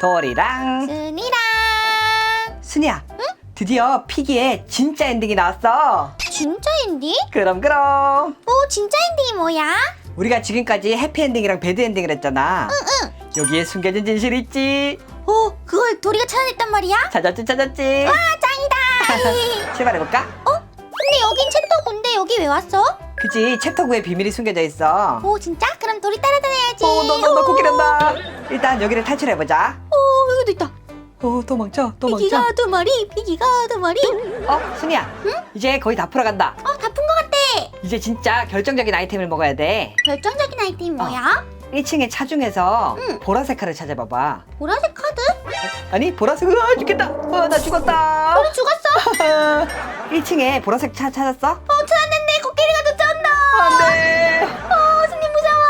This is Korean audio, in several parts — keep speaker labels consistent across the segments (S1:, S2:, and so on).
S1: 도리랑
S2: 순이랑.
S1: 순이야. 응? 드디어 피기의 진짜 엔딩이 나왔어.
S2: 진짜 엔딩?
S1: 그럼
S2: 진짜 엔딩이 뭐야?
S1: 우리가 지금까지 해피엔딩이랑 배드엔딩을 했잖아.
S2: 응.
S1: 여기에 숨겨진 진실이 있지.
S2: 그걸 도리가 찾아냈단 말이야?
S1: 찾았지.
S2: 와, 짱이다.
S1: 출발해볼까?
S2: 근데 여긴 챕터 9인데 여기 왜 왔어?
S1: 그치, 챕터 9에 비밀이 숨겨져 있어.
S2: 진짜? 그럼 도리 따라다녀야지.
S1: 너 코끼리한다. 일단 여기를 탈출해보자.
S2: 여기도 있다.
S1: 도망쳐.
S2: 피기가 두 마리, 피기가 두 마리.
S1: 순이야. 이제 거의 다 풀어간다.
S2: 다 푼 것 같아.
S1: 이제 진짜 결정적인 아이템을 먹어야 돼.
S2: 결정적인 아이템이 뭐야?
S1: 1층의 차 중에서
S2: 응.
S1: 보라색 칼을 찾아봐봐.
S2: 보라색 카드?
S1: 아니, 보라색, 죽겠다. 나 죽었다.
S2: 도리 죽었어.
S1: 1층에 보라색 차 찾았어?
S2: 찾았는데 코끼리가 쫓아온다.
S1: 안 돼.
S2: 스님 무서워.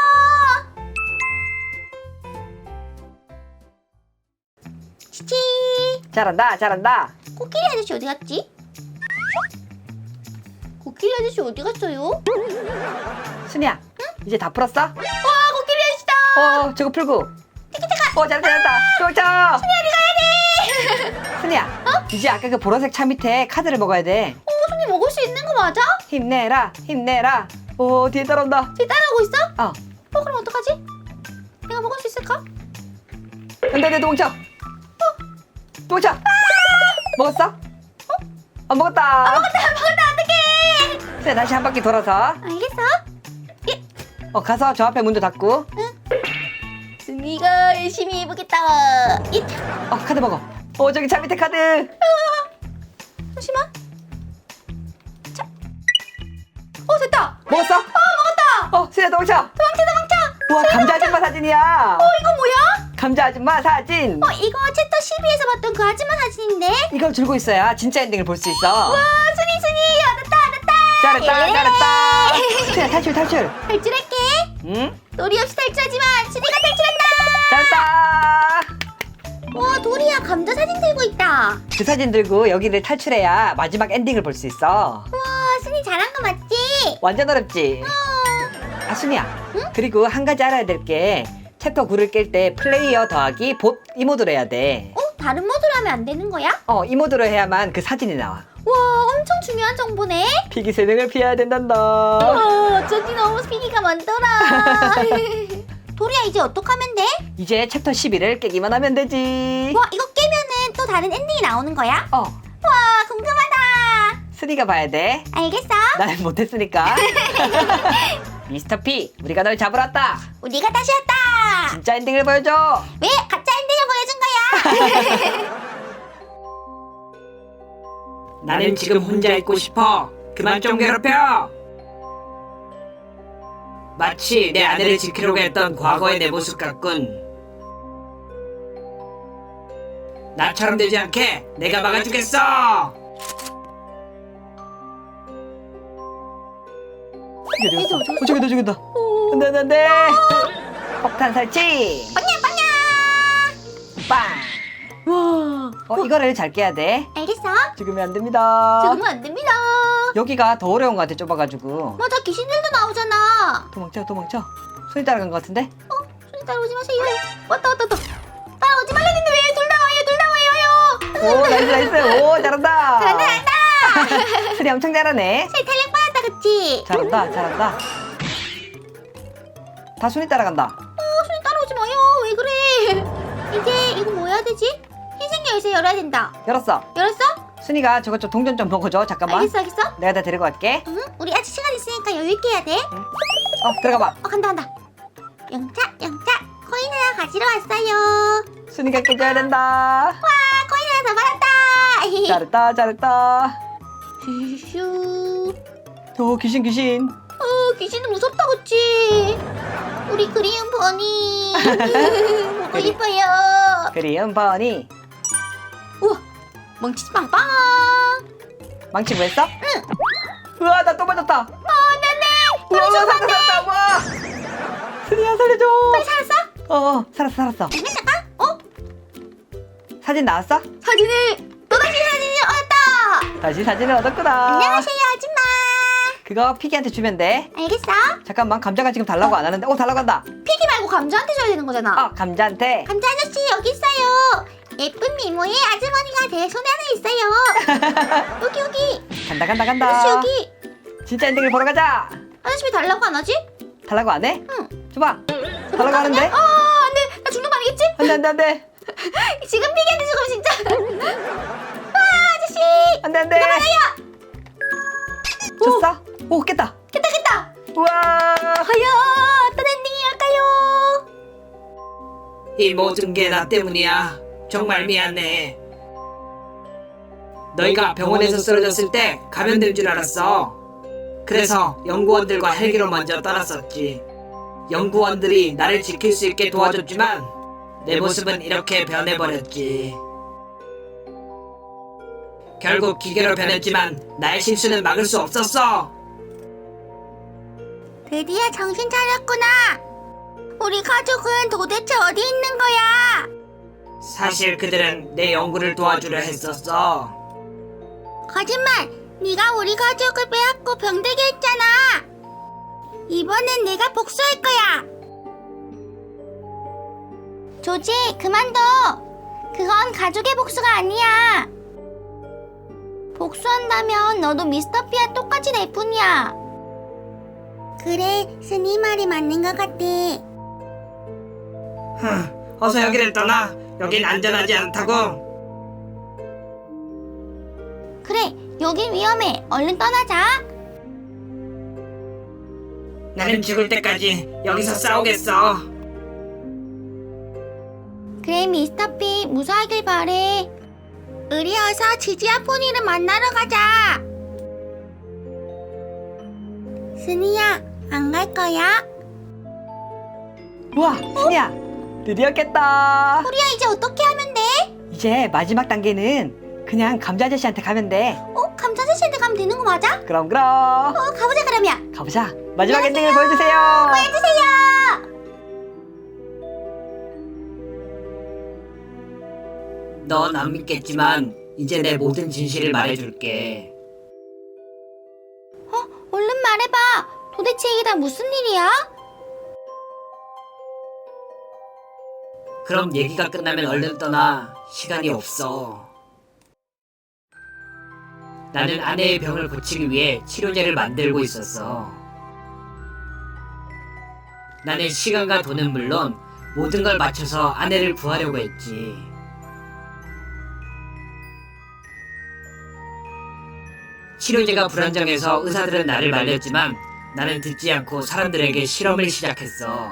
S2: 치치.
S1: 잘한다.
S2: 코끼리 아저씨 어디 갔지? 코끼리 아저씨 어디 갔어요?
S1: 순이야, 이제 다 풀었어?
S2: 와, 코끼리 아저씨다.
S1: 저거 풀고. 잘한다. 도망쳐. 순이야, 이제 아까 그 보라색 차 밑에 카드를 먹어야 돼.
S2: 손님 먹을 수 있는 거 맞아?
S1: 힘내라. 뒤에 따라온다.
S2: 뒤 따라오고 있어?
S1: 어,
S2: 그럼 어떡하지? 내가 먹을 수 있을까?
S1: 안 돼, 도망쳐. 도망쳐. 먹었어? 안 먹었다.
S2: 먹었다, 어떡해.
S1: 순이야, 다시 한 바퀴 돌아서.
S2: 알겠어.
S1: 가서 저 앞에 문도 닫고.
S2: 순이가 열심히 해보겠다.
S1: 카드 먹어. 저기 차 밑에 카드.
S2: 잠시만. 자. 됐다.
S1: 먹었어?
S2: 먹었다.
S1: 순이야, 도망쳐.
S2: 도망쳐.
S1: 우와, 감자 아줌마 사진이야.
S2: 이거 뭐야?
S1: 감자 아줌마 사진.
S2: 이거 챕터 12에서 봤던 그 아줌마 사진인데?
S1: 이걸 들고 있어야 진짜 엔딩을 볼 수 있어.
S2: 와, 순이, 얻었다.
S1: 잘했다. 순이야, 탈출.
S2: 탈출할게.
S1: 응?
S2: 도리 없이 탈출하지만 순이가 탈출한다.
S1: 잘했다.
S2: 와, 도리야 감자 사진 들고 있다.
S1: 그 사진 들고 여기를 탈출해야 마지막 엔딩을 볼 수 있어.
S2: 와, 순이 잘한 거 맞지?
S1: 완전 어렵지? 순이야. 그리고 한 가지 알아야 될 게 챕터 9를 깰 때 플레이어 더하기 봇 이 모드로 해야 돼.
S2: 다른 모드로 하면 안 되는 거야?
S1: 이 모드로 해야만 그 사진이 나와.
S2: 와, 엄청 중요한 정보네.
S1: 피기 세능을 피해야 된단다.
S2: 어쩐지 너무 피기가 많더라. 도리야, 이제 어떡하면 돼?
S1: 이제 챕터 11을 깨기만 하면 되지.
S2: 와, 이거 깨면은 또 다른 엔딩이 나오는 거야? 와, 궁금하다.
S1: 순이가 봐야 돼.
S2: 알겠어.
S1: 나는 못했으니까. 미스터 P, 우리가 널 잡으러 왔다.
S2: 우리가 다시 왔다.
S1: 진짜 엔딩을 보여줘.
S2: 왜 가짜 엔딩을 보여준 거야?
S3: 나는 지금 혼자 있고 싶어. 그만 좀 괴롭혀. 마치 내 아내를 지키려고 했던 과거의 내 모습 같군. 나처럼 되지 않게 내가 막아주겠어.
S1: 저기다. 안돼. 폭탄 설치. 빵. 이거를 잘 깨야 돼.
S2: 알겠어.
S1: 죽으면 안 됩니다.
S2: 죽으면 안 됩니다.
S1: 여기가 더 어려운 것 같아, 좁아가지고.
S2: 맞아, 귀신들도 나오잖아.
S1: 도망쳐. 손이 따라간 것 같은데?
S2: 손이 따라오지 마세요. 왔다. 따라오지 말랬는데 왜 둘 다 와요.
S1: 나이스. 잘한다.
S2: 잘한다.
S1: 순이 엄청 잘하네.
S2: 탈락 받았다, 그치?
S1: 잘한다. 다 손이 따라간다.
S2: 손이 따라오지 마요. 왜 그래? 이제 이거 뭐 해야 되지? 흰색 열쇠 열어야 된다.
S1: 열었어.
S2: 열었어?
S1: 순이가 저것 좀 동전 좀 먹어줘. 잠깐만.
S2: 알겠어.
S1: 내가 다 데리고 갈게.
S2: 응? 우리 아직 시간 있으니까 여유 있게 해야 돼.
S1: 들어가봐.
S2: 간다. 영차. 코인 하나 가지러 왔어요.
S1: 순이가 깨져야 된다.
S2: 와, 코인 하나 더 받았다.
S1: 잘했다.
S2: 슈슈.
S1: 귀신.
S2: 귀신은 무섭다, 그치? 우리 그리운 버니. 보고 싶어요.
S1: 그리운 버니.
S2: 우와, 멍치지 빵빵.
S1: 망치 뭐 했어? 응. 우와, 나 또 맞았다.
S2: 네네.
S1: 우와, 살았다. 와. 순이야, 살려줘.
S2: 살았어?
S1: 살았어.
S2: 잠깐.
S1: 사진 나왔어?
S2: 또다시 사진을 얻었다.
S1: 다시 사진을 얻었구나.
S2: 안녕하세요, 아줌마.
S1: 그거 피기한테 주면 돼.
S2: 알겠어.
S1: 잠깐만, 감자가 지금 달라고 안 하는데. 달라고 한다.
S2: 피기 말고 감자한테 줘야 되는 거잖아.
S1: 감자한테.
S2: 감자 아저씨 여기 있어요. 예쁜 미모의 아주머니가 내 손 안에 있어요. 여기 여기.
S1: 간다 간다
S2: 아저씨
S1: 간다.
S2: 여기.
S1: 진짜 엔딩을 보러 가자.
S2: 아저씨 왜 달라고 안 하지?
S1: 달라고 안 해?
S2: 응.
S1: 줘봐. 달라고 하는데?
S2: 안돼. 나 죽는 거 아니겠지?
S1: 안돼.
S2: 지금 비겠네 지금 진짜. 와 아저씨.
S1: 안돼. 줬어? 오 깼다.
S2: 깼다.
S1: 우와.
S2: 과연 어떤 엔딩이랄까요?
S3: 이 모든 게 나 때문이야. 정말 미안해. 너희가 병원에서 쓰러졌을 때 감염된 줄 알았어. 그래서 연구원들과 헬기로 먼저 떠났었지. 연구원들이 나를 지킬 수 있게 도와줬지만 내 모습은 이렇게 변해버렸지. 결국 기계로 변했지만 나의 실수는 막을 수 없었어.
S2: 드디어 정신 차렸구나. 우리 가족은 도대체 어디 있는 거야?
S3: 사실 그들은 내 연구를 도와주려 했었어.
S2: 거짓말! 네가 우리 가족을 빼앗고 병들게 했잖아. 이번엔 내가 복수할 거야. 조지, 그만둬. 그건 가족의 복수가 아니야. 복수한다면 너도 미스터 P와 똑같이 될 뿐이야. 그래, 스니 말이 맞는 것 같아.
S3: 어서 여기를 떠나. 여긴 안전하지 않다고.
S2: 그래, 여긴 위험해. 얼른 떠나자.
S3: 나는 죽을 때까지 여기서 싸우겠어.
S2: 그래, 미스터 P, 무사하길 바래. 우리 어서 지지와 포니를 만나러 가자. 스니야, 안 갈 거야?
S1: 우와 스니야 드디어 깼다.
S2: 우리야, 이제 어떻게 하면 돼?
S1: 이제 마지막 단계는 그냥 감자 아저씨한테 가면 돼.
S2: 감자 아저씨한테 가면 되는 거 맞아?
S1: 그럼
S2: 가보자 그러면.
S1: 가보자. 마지막 엔딩을 보여주세요.
S2: 해주세요.
S3: 넌 안 믿겠지만 이제 내 모든 진실을 말해줄게.
S2: 얼른 말해봐. 도대체 이게 다 무슨 일이야?
S3: 그럼 얘기가 끝나면 얼른 떠나. 시간이 없어. 나는 아내의 병을 고치기 위해 치료제를 만들고 있었어. 나는 시간과 돈은 물론 모든 걸 맞춰서 아내를 구하려고 했지. 치료제가 불안정해서 의사들은 나를 말렸지만 나는 듣지 않고 사람들에게 실험을 시작했어.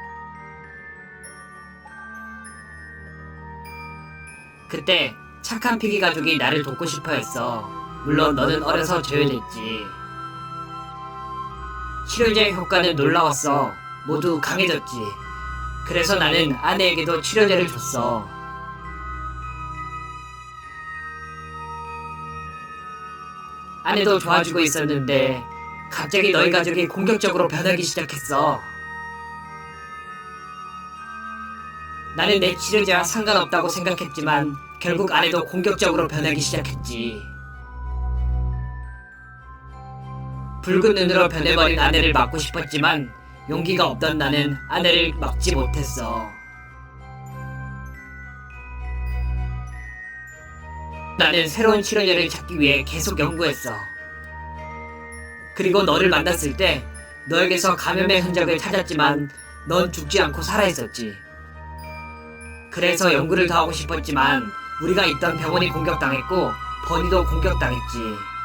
S3: 그때 착한 피기 가족이 나를 돕고 싶어 했어. 물론 너는 어려서 제외됐지. 치료제의 효과는 놀라웠어. 모두 강해졌지. 그래서 나는 아내에게도 치료제를 줬어. 아내도 좋아지고 있었는데 갑자기 너희 가족이 공격적으로 변하기 시작했어. 나는 내 치료제와 상관없다고 생각했지만 결국 아내도 공격적으로 변하기 시작했지. 붉은 눈으로 변해버린 아내를 막고 싶었지만 용기가 없던 나는 아내를 막지 못했어. 나는 새로운 치료제를 찾기 위해 계속 연구했어. 그리고 너를 만났을 때 너에게서 감염의 흔적을 찾았지만 넌 죽지 않고 살아있었지. 그래서 연구를 더 하고 싶었지만 우리가 있던 병원이 공격당했고 버니도 공격당했지.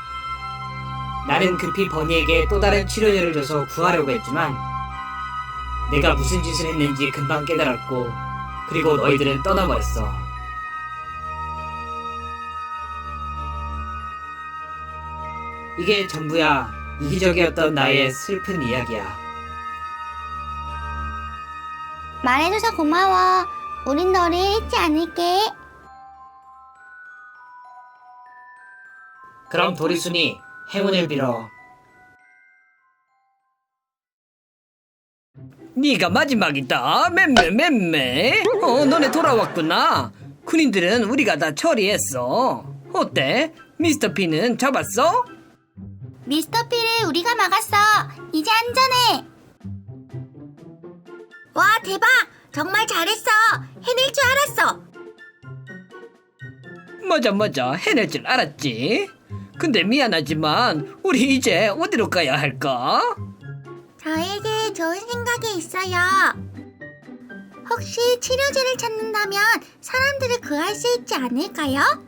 S3: 나는 급히 버니에게 또 다른 치료제를 줘서 구하려고 했지만 내가 무슨 짓을 했는지 금방 깨달았고 그리고 너희들은 떠나버렸어. 이게 전부야. 이기적이었던 나의 슬픈 이야기야.
S2: 말해줘서 고마워. 우린 너를 잊지 않을게.
S3: 그럼 도리순이 행운을 빌어.
S4: 네가 마지막이다. 맴매. 너네 돌아왔구나. 군인들은 우리가 다 처리했어. 어때? 미스터 P는 잡았어?
S2: 미스터 P를 우리가 막았어. 이제 안전해. 와, 대박. 정말 잘했어. 해낼 줄 알았어.
S4: 맞아. 해낼 줄 알았지. 근데 미안하지만 우리 이제 어디로 가야 할까?
S2: 저에게 좋은 생각이 있어요. 혹시 치료제를 찾는다면 사람들을 구할 수 있지 않을까요?